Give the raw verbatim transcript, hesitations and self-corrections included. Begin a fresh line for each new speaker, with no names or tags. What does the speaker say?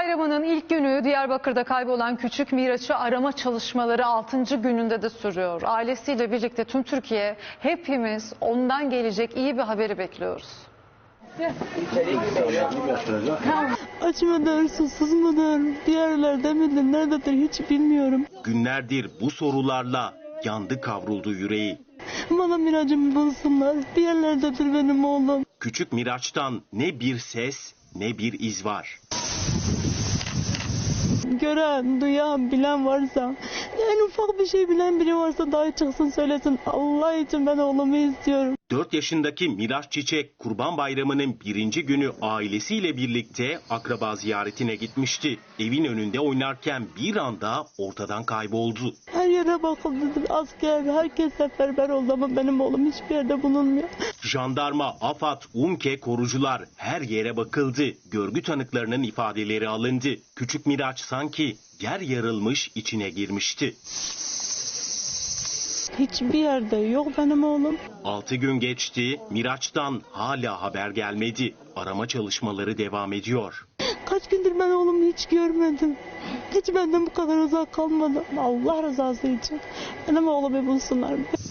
Bayramı'nın ilk günü Diyarbakır'da kaybolan küçük Miraç'ı arama çalışmaları altıncı gününde de sürüyor. Ailesiyle birlikte tüm Türkiye, hepimiz ondan gelecek iyi bir haberi bekliyoruz.
Aç mıdır, susuz mudur, bir yerlerde midir, nerededir hiç bilmiyorum.
Günlerdir bu sorularla yandı kavruldu yüreği.
Bana Miraç'ımı bulsunlar, bir yerlerdedir benim oğlum.
Küçük Miraç'tan ne bir ses ne bir iz var.
Gören, duyan, bilen varsa, en ufak bir şey bilen biri varsa dahi çıksın söylesin. Allah için ben oğlumu istiyorum.
dört yaşındaki Miraç Çiçek Kurban Bayramı'nın birinci günü ailesiyle birlikte akraba ziyaretine gitmişti. Evin önünde oynarken bir anda ortadan kayboldu.
Her yere bakıldı, asker, herkes seferber oldu ama benim oğlum hiçbir yerde bulunmuyor.
Jandarma, AFAD, UMKE korucular her yere bakıldı. Görgü tanıklarının ifadeleri alındı. Küçük Miraç sanki yer yarılmış içine girmişti.
Hiçbir yerde yok benim oğlum.
Altı gün geçti, Miraç'tan hala haber gelmedi. Arama çalışmaları devam ediyor.
Kaç gündür ben oğlumu hiç görmedim. Hiç benden bu kadar uzak kalmadı. Allah rızası için benim oğlumu bulsunlar.